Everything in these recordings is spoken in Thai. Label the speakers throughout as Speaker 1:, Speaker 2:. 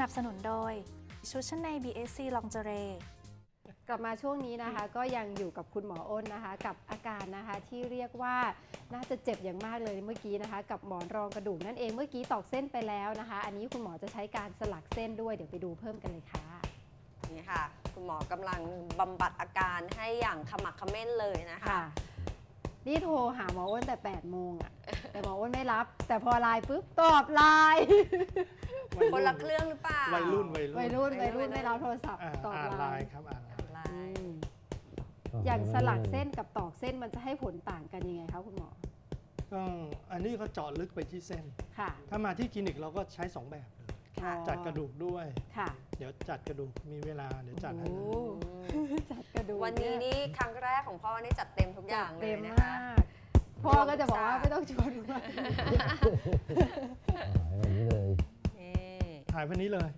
Speaker 1: นับสนุนโดยชุดชั้นใน BSC Lingerie
Speaker 2: กลับมาช่วงนี้นะคะก็ยังอยู่กับคุณหมออ้นนะคะกับอาการนะคะที่เรียกว่าน่าจะเจ็บอย่างมากเลยเมื่อกี้นะคะกับหมอนรองกระดูกนั่นเองเมื่อกี้ตอกเส้นไปแล้วนะคะอันนี้คุณหมอจะใช้การสลักเส้นด้วยเดี๋ยวไปดูเพิ่มกันเลยค่ะ
Speaker 3: นี่ค่ะคุณหมอกำลังบำบัดอาการให้อย่างขมักเขม้นเลยนะคะ
Speaker 2: นี่โทรหาหมออ้นแต่8 โมงอะแต่หมออ้นไม่รับแต่พอไลน์ปุ๊บตอบไลน์
Speaker 3: คนละเครื่องหรือเปล่า
Speaker 4: วัยรุ่น
Speaker 2: ไม่รับโทรศัพท์ตอบไลน์
Speaker 4: ครับ
Speaker 3: ไลน์
Speaker 2: อย่างสลักเส้นกับตอกเส้นมันจะให้ผลต่างกันยังไงคะคุณหมอ
Speaker 4: ก็อันนี้ก็เจาะลึกไปที่เส้น
Speaker 2: ค่ะ
Speaker 4: ถ้ามาที่คลินิกเราก็ใช้2แบบเลยจัดกระดูกด้วย
Speaker 2: ค่ะ
Speaker 4: เดี๋ยวจัดกระดูกมีเวลาเดี๋ยวจัดให้
Speaker 2: จัดกระดูก
Speaker 3: วันนี้นี่ครั้งแรกของพ่อนี่จัดเต็มทุกอย่างเลยนะคะ
Speaker 2: พ่อก็จะบอกว่าไม่ต้องชวนมา
Speaker 4: ถ่ายวันนี้เลย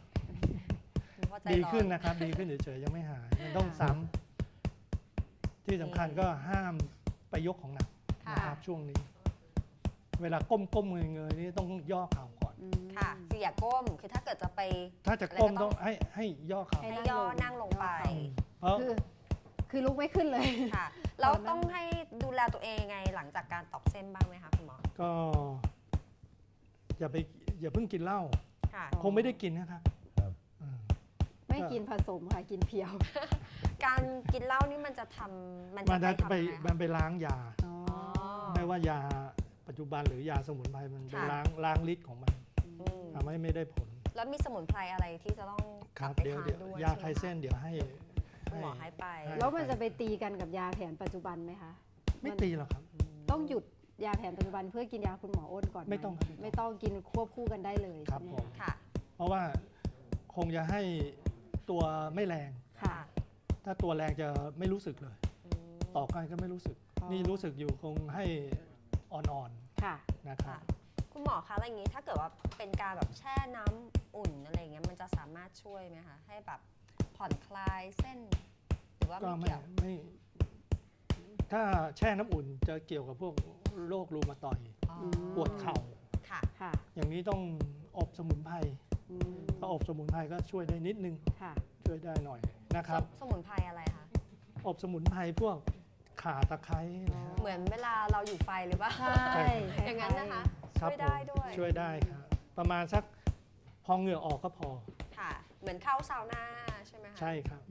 Speaker 4: ดีขึ้นนะครับดีขึ้นเฉยๆยังไม่หายมันต้องซ้ำที่สำคัญก็ห้ามไปยกของหนักนะครับช่วงนี้เวลาก้มเงยๆนี่ต้องย่อเข่าก่อน
Speaker 3: ค่ะคืออย่าก้มคือถ้าเกิดจะไป
Speaker 4: ถ้าจะก้มต้องให้ย่อเข่า
Speaker 3: ให้ย่อนั่งลงไป
Speaker 2: คือลุกไม่ขึ้นเลย
Speaker 3: ค่ะเราต้องให้ดูแลตัวเองไงหลังจากการตอกเส้นบ้างไหมคะคุณหมอ
Speaker 4: ก็อย่าเพิ่งกินเหล้าคงไม่ได้กินนะครับ
Speaker 2: ไม่กินผสมค่ะกินเพียว
Speaker 3: การกินเหล้านี่มันจะทำมัน
Speaker 4: ไปล้างยาไม่ว่ายาปัจจุบันหรือยาสมุนไพรมันไปล้างฤทธิ์ของมันทำให้ไม่ได้ผล
Speaker 3: แล้วมีสมุนไพรอะไรที่จะต้อง
Speaker 4: ครับเดี๋ยวยาคลายเส้นเดี๋ยวให้
Speaker 3: หมอให้ไป
Speaker 2: แล้วมันจะไปตีกันกับยาแผนปัจจุบันไหมคะ
Speaker 4: ไม่ตีหรอกครับ
Speaker 2: ต้องหยุดยาแผนปัจจุบันเพื่อกินยาคุณหมออ้นก่อน
Speaker 4: ไม่
Speaker 2: ต้องกินควบคู่กันได้เลย
Speaker 4: ครับผม
Speaker 3: ค่ะ
Speaker 4: เพราะว่าคงจะให้ตัวไม่แรง
Speaker 2: ค่ะ
Speaker 4: ถ้าตัวแรงจะไม่รู้สึกเลยต่อกันก็ไม่รู้สึกนี่รู้สึกอยู่คงให้อ่อน
Speaker 2: ๆค่ะ
Speaker 4: นะครับ
Speaker 3: คุณหมอคะอะไรอย่างนี้ถ้าเกิดว่าเป็นการแบบแช่น้ำอุ่นอะไรอย่างเงี้ยมันจะสามารถช่วยไหมคะให้แบบผ่อนคลายเส้นหรือว่าไม่เกี่ยว
Speaker 4: ไม่ถ้าแช่น้ำอุ่นจะเกี่ยวกับพวกโรครูมาตอยด์ปวดเข่า
Speaker 3: ค่ะ
Speaker 4: อย่างนี้ต้องอบสมุนไพรถ้าอบสมุนไพรก็ช่วยได้นิดนึงช่วยได้หน่อยนะครับ
Speaker 3: สมุนไพรอะไรคะ
Speaker 4: อบสมุนไพรพวกข่าตะไคร้
Speaker 3: เหมือนเวลาเราอยู่ไฟหรือเปล่า
Speaker 2: ใช่
Speaker 3: อย่างนั้นนะคะช่วยได้ด้วย
Speaker 4: ช่วยได้ครับประมาณสักพอเหงื่อออกก็พอ
Speaker 3: ค่ะเหมือนเข้าซาวน่าใช่ไหมคะ
Speaker 4: ใช่ครับ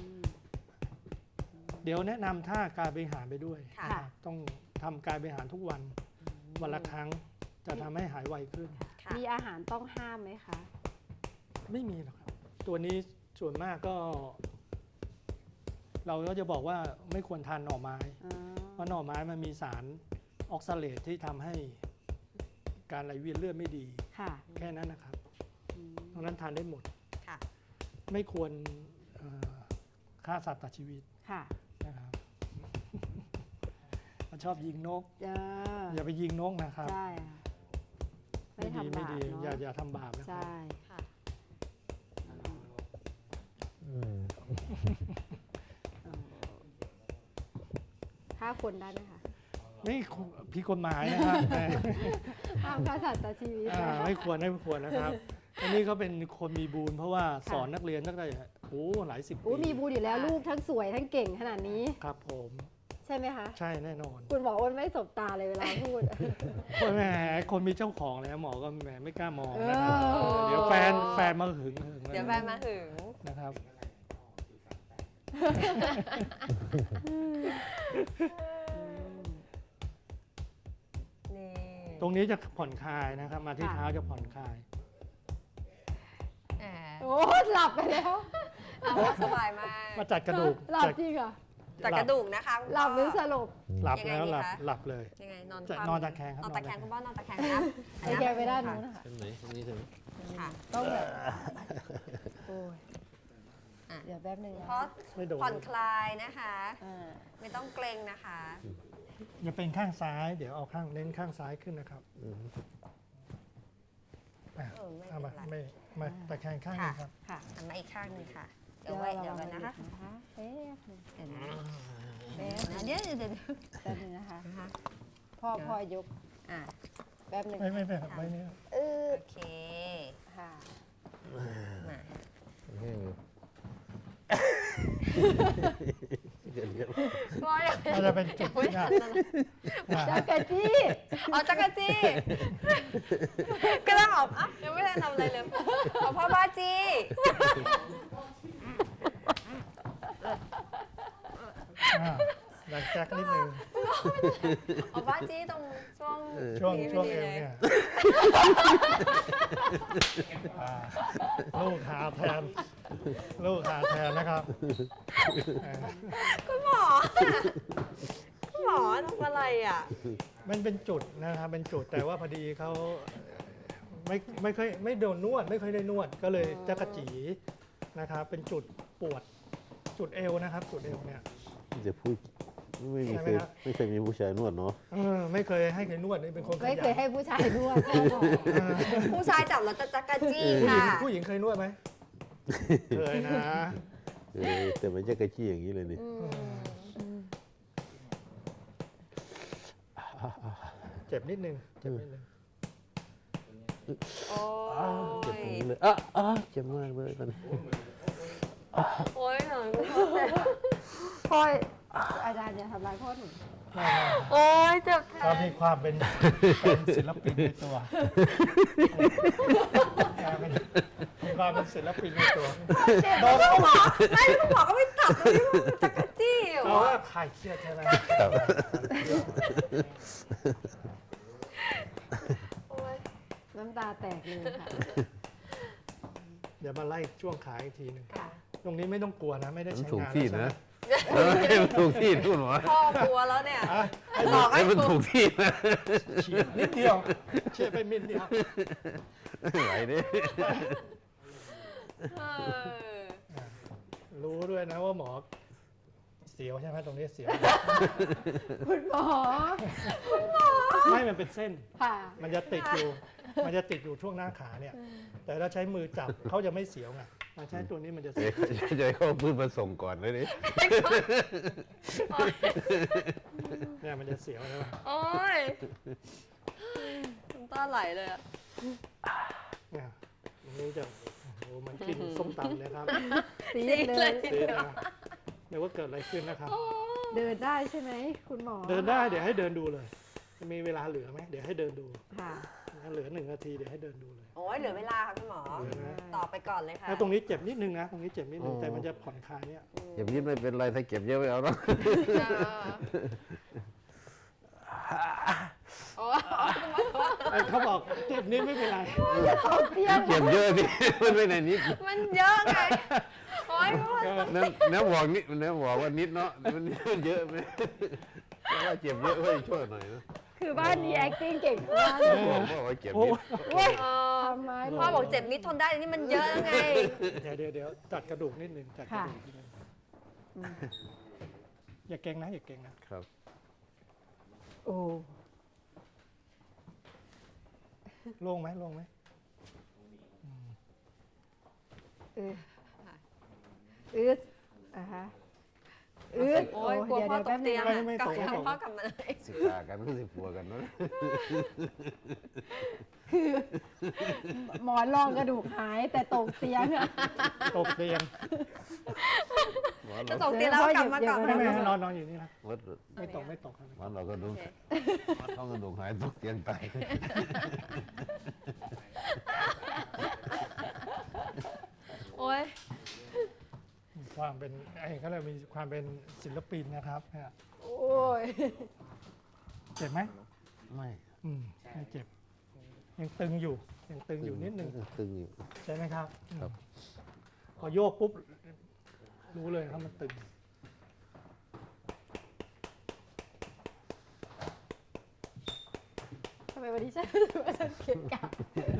Speaker 4: เดี๋ยวแนะนำท่ากายบริหารไปด้วยต้องทำกายบริหารทุกวันละครั้งจะทำให้หายไวขึ้น
Speaker 2: มีอาหารต้องห้ามไหมคะ
Speaker 4: ไม่มีหรอกครับตัวนี้ส่วนมากก็เราก็จะบอกว่าไม่ควรทานหน่อไม้เพราะหน่อไม้มันมีสารออกซาเลตที่ทำให้การไหลเวียนเลือดไม่ดีแค่นั้นนะครับตรงนั้นทานได้หมดไม่ควรฆ่าสัตว์ตัดชีวิตนะครับชอบยิงนกอย่าไปยิงนกนะครับไม่ดีอย่าทำบาปนะครับ
Speaker 2: ฆ่าคนได้ไหมคะ
Speaker 4: นี่ผิดกฎหมายนะครับ
Speaker 2: ห้ามฆ่าสัตว์ตัดชีวิต
Speaker 4: ไม่ควรนะครับอันนี้ก็เป็นคนมีบุญเพราะว่าสอนนักเรียนตั้งแต่หลายสิบปี
Speaker 2: มีบุญอยู่แล้วลูกทั้งสวยทั้งเก่งขนาดนี้
Speaker 4: ครับผม
Speaker 2: ใช่ไหมคะ
Speaker 4: ใช่แน่นอน
Speaker 2: คุณหมออ้นไม่สบตาเลยเวลาพูด
Speaker 4: แหมคนมีเจ้าของแล้วหมอก็แหมไม่กล้ามองนะครับเดี๋ยวแฟนมาหึง
Speaker 3: เดี๋ยวแฟนมาหึง
Speaker 4: นะครับตรงนี้จะผ่อนคลายนะครับมาที่เท้าจะผ่อนคลาย
Speaker 2: โอ้หลับไปแล้ว
Speaker 3: สบายมาก
Speaker 4: มาจัดกระดูก
Speaker 2: หลับจริงเหรอ
Speaker 3: จัดกระดูกนะคะ
Speaker 2: หลับหรือสลบ
Speaker 4: หลับแล้วหลับเลย
Speaker 3: ยังไง
Speaker 4: นอนตะแคงครับ
Speaker 3: นอนตะแคงคุณพ่อนอนตะแคงนะ
Speaker 2: ตะแคงไปด้านนู้นนะคะ
Speaker 4: ตรงนี้ถึง
Speaker 2: ต้องแบบโอ้ยเดี๋ยวแป๊บนึง
Speaker 3: เพราะผ่อนคลายนะคะไม่ต้องเกรงนะคะ
Speaker 4: อย่าเป็นข้างซ้ายเดี๋ยวเอาเน้นข้างซ้ายขึ้นนะครับเอามาตะแคงข้างนึงครับ
Speaker 3: หันมาอีกข้างนึงค่ะเดี๋ยวกันนะคะเดี๋ยว
Speaker 2: แป๊บนึงนะคะพ่อยกแป๊บนึง
Speaker 4: ไม่เนี่ย
Speaker 3: โอเค
Speaker 2: ค่ะ
Speaker 3: มา
Speaker 5: แห้งอยู่เดี๋ยว
Speaker 3: ก็ยัง
Speaker 4: มันจะเป็นจุด
Speaker 3: ไม่
Speaker 4: เนี่ย
Speaker 3: ทันนะ
Speaker 2: จักรจี้
Speaker 3: อ๋อจักรจี้ก็ต้องออกอ่ะยังไม่ได้ทำอะไรเลยเอาพ่อบ้าจี้
Speaker 4: หลังจากนิดนึง
Speaker 3: เอาบ้าจี้ตรงช่วง
Speaker 4: ช่วง
Speaker 3: นี้
Speaker 4: ช่วง
Speaker 3: พ
Speaker 4: เอ
Speaker 3: ดี
Speaker 4: ว
Speaker 3: ล
Speaker 4: เนี่ยลูกหาแทนลูกหาแทนนะครับ
Speaker 3: คุณหมอคุณหมอทำอะไรอ่ะ
Speaker 4: มันเป็นจุดนะครับเป็นจุดแต่ว่าพอดีเขาไม่ค่อยไม่โดนนวดไม่ค่อยได้นวดก็เลยจักระจีนะครับเป็นจุดปวดจุดเอวนะครับ จุดเอวเนี่ย
Speaker 5: จะพูดไม่มี
Speaker 4: ใช่ไห
Speaker 5: เค
Speaker 4: ม
Speaker 5: ย
Speaker 4: ครับ
Speaker 5: ไม่เคยมีผู้ชายนวดเนาะ
Speaker 4: ไม่เคยให้ใครนวดนี่เป็นคนข
Speaker 2: ไม่
Speaker 4: ยัน
Speaker 2: เคยให้ผู้ชายนวดพ่อบอก
Speaker 3: ผู้ชายจับแล้วจะจักรจี้
Speaker 4: ผู้หญิ
Speaker 3: ค่ะ
Speaker 4: งผู้หญิงเคยนวดไหมเคยนะ
Speaker 5: แต่ไม่ใช่กระชี้อย่างนี้เลยนี่
Speaker 4: เจ็บนิดนึงเจ็บนิดนึง
Speaker 3: โอ้
Speaker 5: เจ็บตรง
Speaker 3: ย
Speaker 5: นี้เลยเจ็บมากเลยตอนนี้
Speaker 3: โอ้ยหน่อยคุณหมอเจ็บ
Speaker 2: พ่ออาจารย์อย่าทำร้ายพ่อหนู
Speaker 3: โอ้ยเจ็บแท
Speaker 4: ก็
Speaker 3: น
Speaker 4: มีความเป็นศิลปินในตัวมีความเป็นศิลปินในตัว
Speaker 3: โดนคุณหมอไม่คุณหมอก็ไม่จับตรงนี้มันจักรจี้อยู่
Speaker 4: เพราะว่าคลายเครียดใช่ไหม
Speaker 5: ครับ
Speaker 3: โอ้ย
Speaker 2: น้ำตาแตกเลยค่ะ
Speaker 4: เดี๋ยวมาไล่ช่วงขาอีกทีหนึง
Speaker 2: ค่ะ
Speaker 4: ตรงนี้ไม่ต้องกลัวนะไม่ได้
Speaker 5: มัน
Speaker 4: ใช้
Speaker 5: ถูก
Speaker 4: งาน
Speaker 5: ที่
Speaker 4: แล้ว
Speaker 5: นะมันถูกที่ทุนหมอ
Speaker 3: พ่อกลัวแล้วเนี่ย
Speaker 4: อ่ะ
Speaker 3: บอกให้
Speaker 5: มัน
Speaker 3: ถู
Speaker 5: ถู
Speaker 4: Ờ,
Speaker 3: ก
Speaker 5: กที่นะ
Speaker 4: เฉียดนิดเดียวเฉียดไปมิดเดียว
Speaker 5: ไหวดิ
Speaker 3: เออ
Speaker 4: รู้ด้วยนะว่าหมอเสียวใช่ไหมตรงนี้เสียว
Speaker 2: คุณหมอ
Speaker 4: ไม่มันเป็นเส้น
Speaker 2: ค่ะ
Speaker 4: มันจะติดอยู่ มันจะติดอยู่ช่วงหน้าขาเนี่ย แต่ถ้าใช้มือจับเขาจะไม่เสียวไงมาใช้ตัวนี้มันจะเสียว
Speaker 5: จะให้เขาพูดมาส่งก่อนเลยดิ
Speaker 4: เนี่ยมันจะเสียวใช่ไหม
Speaker 3: โอ้ยน้ำตาไหลเลยอะ
Speaker 4: เนี่ยตรงนี้จะโอ้โหมันกินส้มตำเนี่ยครับ
Speaker 2: ซีด
Speaker 3: ซีด
Speaker 2: เล
Speaker 3: เลย ย
Speaker 4: เสียนะเดี๋ยวว่าเกิดอะไรขึ้นนะครับ
Speaker 2: เดินได้ใช่ไหมคุณหมอ
Speaker 4: เดินได้เดี๋ยวให้เดินดูเลยจะมีเวลาเหลือไหมเดี๋ยวให้เดินดู
Speaker 2: ค่ะ
Speaker 4: ถ้าเหลือ1 นาทีเดี๋ยวให้เดินดูเลย
Speaker 3: โอ้ยเหลือเวลาค่ะคุณหมอ
Speaker 4: เหลือนะ
Speaker 3: ตอบไปก่อนเลยค่ะ
Speaker 4: แล้วตรงนี้เจ็บนิดนึงนะ ตรงนี้เจ็บนิดนึงแต่มันจะผ่อนคลายเนี่ย
Speaker 5: เก็บนิดไม่เป็นไรถ้าเก็บเยอะไม่เอาหรอก
Speaker 3: โอ้ยคุณหมอบอกว่า
Speaker 4: ไอ้เขาบอกเจ็บนิดไม่เป็นไร
Speaker 5: เก็บเยอะดิมันไม่ในนิด
Speaker 3: มันเยอะไง โอ้ยคุณหมอ
Speaker 5: น้ำบอกนิดน้ำบอกว่านิดเนาะมันเยอะไหมเพราะว่าเจ็บเยอะเฮ้ยช่วยหน่อยนะ
Speaker 2: คือบ้านนี้ acting เก่งมาก
Speaker 5: บอกว่าเจ็บ
Speaker 4: โอ้
Speaker 5: นิด
Speaker 3: เออ
Speaker 2: ทำไม
Speaker 3: พ่อบอกเจ็บนิดทนได้นี่มันเยอะแล้วไง
Speaker 4: เดี๋ยวจัดกระดูกนิดนึงจัดกระดูกนิดนึงอย่าเก่งนะอย่าเก่งนะครับ
Speaker 2: โอ้
Speaker 4: โล่งไหมโล่งไหม
Speaker 2: อืดอ่ะฮะอืด
Speaker 3: โอ้ยกลัวพ่อตกเตียง
Speaker 2: นะ
Speaker 3: อะกลับมาพ่อกลับมาเลย
Speaker 5: สิกากันก็สิปัวกันเนาะ
Speaker 2: หมอนรองกระดูกหายแต่ตกเตียงอะ
Speaker 4: ตกเตียง
Speaker 3: จะตกเตียงแล้วกลับมาก่อน
Speaker 4: ไม่ให้นอนอยู่นี่นะ
Speaker 5: วัด
Speaker 4: ไม่ตกไม่ตกครับ
Speaker 5: วันเราก็ดูท้องกระดูกหายตกเตียงตาย
Speaker 3: โอ้ย
Speaker 4: ความเป็นไอ้เขาเรียกมีความเป็นศิลปินนะครับเนี่ย
Speaker 2: โอ้ย
Speaker 4: เจ็บไหม
Speaker 5: ไม่
Speaker 4: ไม่เจ็บยังตึงอยู่ยังตึงอยู่นิดนึง
Speaker 5: ตึงอยู่
Speaker 4: ใช่ไหมครับ
Speaker 5: ครับ
Speaker 4: พอโยกปุ๊บรู้เลยครับมันตึง
Speaker 2: ทำไมวันนี้ฉันรู้สึกว่าฉันเกลียดกะ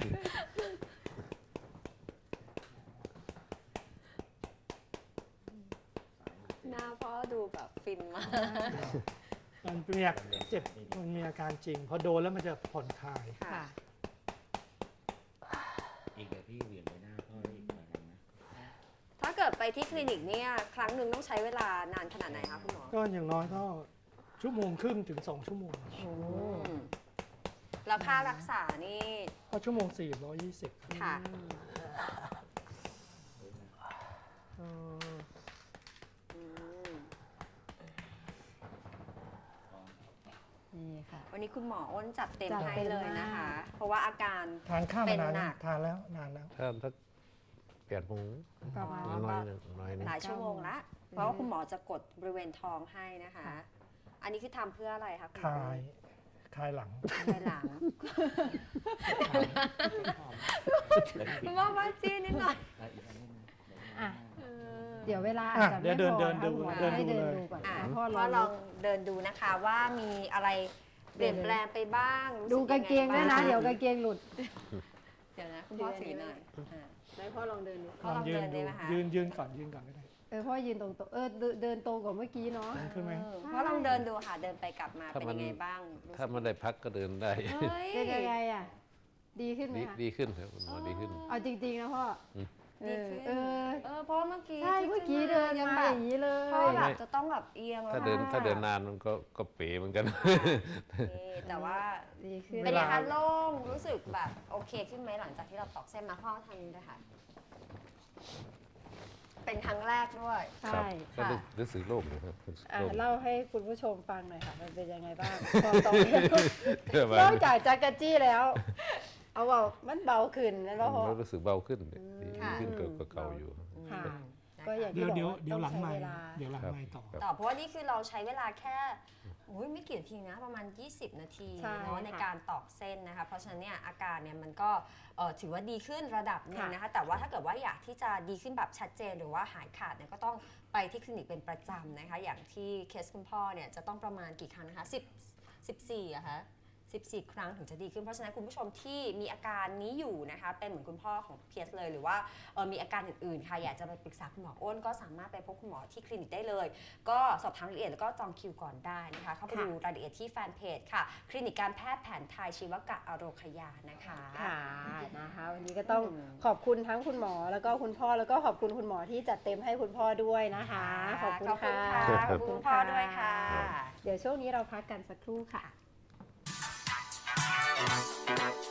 Speaker 3: หน้าพ่อดูแบบฟินมาก
Speaker 4: มันมีอาการเจ็บมันมีอาการจริง พอโดนแล้วมันจะผ่อนคลาย
Speaker 3: ค่ะ
Speaker 6: อีกเดี๋ยวพี่เหวี่ยงไปหน้าพ่ออีกหน่อยนึงนะ
Speaker 3: ถ้าเกิดไปที่คลินิกเนี่ยครั้งหนึ่งต้องใช้เวลานานขนาดไหนคะคุณหมอ
Speaker 4: ก็อย่างน้อยก็1.5 ชั่วโมงถึง2 ชั่วโมง
Speaker 3: แล้วค่ารักษานี่
Speaker 4: เพราะชั่วโมง420ครับ
Speaker 3: ค่ะ
Speaker 2: อืม นี่ค่ะ
Speaker 3: วันนี้คุณหมออ้นจัดเต็ม
Speaker 2: จัด
Speaker 3: ให้
Speaker 2: เต็ม
Speaker 3: เลยนะคะ
Speaker 2: มาก
Speaker 3: เพราะว่าอาการ
Speaker 4: ทานข้าว
Speaker 3: เป็
Speaker 4: มาน นาน
Speaker 3: หนั
Speaker 4: ยัง
Speaker 3: ก
Speaker 4: ทานแล้วนานแล้ว
Speaker 5: ถ้าสัก8 โมง
Speaker 2: ประมาณ
Speaker 3: อ๋อ
Speaker 5: น้อยหนึ่งน้อยหนึ่ง
Speaker 3: หลายชั่วโมงละ เพราะว่าคุณหมอจะกดบริเวณท้องให้นะคะ
Speaker 2: ค่ะ
Speaker 3: อันนี้คือทำเพื่ออะไรคะคุณห
Speaker 4: ค
Speaker 3: มอ
Speaker 4: ลายหลัง
Speaker 3: ภายหลังคุณหมอมาจีนิดหน่อย
Speaker 2: อ่ะเดี๋ยวเวลาอาจ
Speaker 4: อ่ะ
Speaker 2: จะ
Speaker 4: เดี๋
Speaker 2: ไม่
Speaker 4: ยว
Speaker 2: พอ
Speaker 4: เดิน
Speaker 2: นะคะ
Speaker 4: ดู
Speaker 2: คุณหมอ
Speaker 4: เดิน
Speaker 2: ให้
Speaker 4: ดู
Speaker 2: เดิน
Speaker 4: เลย
Speaker 2: ดูก่อน
Speaker 3: อ่ะ
Speaker 2: นะ
Speaker 3: เพ
Speaker 2: พ่อ
Speaker 3: ราะ
Speaker 2: ล
Speaker 3: ล
Speaker 2: อ
Speaker 3: อง งเดินดูนะคะว่ามีอะไรเปลี่ยนแปลงไปบ้างรู้สึ
Speaker 2: ดูกางเกงด้วยนะ
Speaker 3: ยัไบ้า
Speaker 2: เดี๋ยวกางเกงหลุด
Speaker 3: เดี๋ยวนะคุณพ่อถือหน่อยอ่ะ
Speaker 2: ไหนพ่อลองเดินดู
Speaker 3: พ่อลองเดินได้ไหมคะ
Speaker 4: ยืนก่อนก็ได้
Speaker 2: พ่อยืนตรงเดินตรงกว่าเมื่อกี้เนาะ
Speaker 4: ขึ้นไหม
Speaker 3: พ่อลองเดินดูค่ะ เดินไปกลับมาเป็นยังไงบ้างรู้สึก
Speaker 5: ถ้ามันได้พักก็เดินได้
Speaker 3: เฮ้ย
Speaker 2: เป็นยังไงอ่ะ ดีขึ้นไหม
Speaker 5: ดี
Speaker 2: คะ
Speaker 5: ดีขึ้นครับคุณหมอดีขึ้น
Speaker 2: เอาจริงๆนะพ่อ
Speaker 5: อืม
Speaker 2: เอ
Speaker 3: ดี
Speaker 2: อ
Speaker 3: ขึ้น
Speaker 2: เออ
Speaker 3: เพราะว่าเมื่อกี้
Speaker 2: ใช่
Speaker 3: ที่
Speaker 2: เมื่อกี้
Speaker 3: ขึ้
Speaker 2: เดิน
Speaker 3: ยัง
Speaker 2: มา
Speaker 3: แบบ
Speaker 2: อย่างนี้เลย
Speaker 3: พ่อแบบจะต้องแบบเอียงแล้ว
Speaker 5: ถ้าเดินนานมันก็เป๋เหมือนกัน
Speaker 3: นี่แต่ว่า
Speaker 2: ดีขึ้น
Speaker 3: เป็นยังไงคะโล่งรู้สึกแบบโอเคขึ้นไหมหลังจากที่เราตอกเส้นมาพ่อทางนี้ด้วยค่ะ เป็นครั้งแรกด้วย
Speaker 2: ใช่
Speaker 5: ก็
Speaker 3: ค่ะ
Speaker 5: รู้สึกโล่งนะครับรู้สึก
Speaker 2: อ่ะ
Speaker 5: โล่ง
Speaker 2: เล่าให้คุณผู้ชมฟังหน่อยค่ะ มันเป็นยังไงบ้าง พอตอน
Speaker 5: เพื่อมาน
Speaker 2: อกจากจักรจี้แล้ว เอาเบามันเบาขึ้นนั่นว่าพ่อ
Speaker 5: รู้สึกเบาขึ้นดี
Speaker 3: ค่ะ
Speaker 5: ขึ้นกว่าเก่าอยู่
Speaker 2: ค่ะ
Speaker 3: นะคะ
Speaker 2: ก็อย่างที่
Speaker 4: เดี๋ยว
Speaker 2: บอกว่า
Speaker 4: เดี๋ยวหลัง
Speaker 2: ต้อง
Speaker 4: ใหม่
Speaker 2: ใช้เวลา
Speaker 4: เดี๋ยวหลัง
Speaker 5: ครับ
Speaker 4: ใหม่ต่อ
Speaker 3: ต่อเพราะว่านี่คือเราใช้เวลาแค่อุ๊ยไม่กี่นาทีนะประมาณ 20 นาที
Speaker 2: ใช่
Speaker 3: เนาะใน
Speaker 2: ค่ะ
Speaker 3: การตอกเส้นนะคะ เพราะฉะนั้นเนี่ยอาการเนี่ยมันก็ถือว่าดีขึ้นระดับหนึ่ง
Speaker 2: ค่ะ
Speaker 3: นะคะ แต่ว่าถ้าเกิดว่าอยากที่จะดีขึ้นแบบชัดเจนหรือว่าหายขาดเนี่ยก็ต้องไปที่คลินิกเป็นประจำนะคะ อย่างที่เคสคุณพ่อเนี่ยจะต้องประมาณกี่ครั้งนะคะ14อะคะ14 ครั้งถึงจะดีขึ้น เพราะฉะนั้นคุณผู้ชมที่มีอาการนี้อยู่นะคะเป็นเหมือนคุณพ่อของเพียสเลยหรือว่ามีอาการอื่นๆค่ะอยากจะไปปรึกษาคุณหมออ้นก็สามารถไปพบคุณหมอที่คลินิกได้เลย ก็สอบถามรายละเอียดแล้วก็จองคิวก่อนได้นะคะเข้าไปดูรายละเอียดที่แฟนเพจค่ะคลินิกการแพทย์แผนไทยชีวกะอโรคยานะคะ
Speaker 2: ค่ะนะคะวันนี้ก็ต้องขอบคุณทั้งคุณหมอแล้วก็คุณพ่อแล้วก็ขอบคุณคุณหมอที่จัดเต็มให้คุณพ่อด้วยนะคะ ขอบคุณค่ะ
Speaker 3: ขอบคุณพ่อด้วยค่ะ
Speaker 2: เดี๋ยวช่วงนี้เราพักกันสักครู่ค่ะ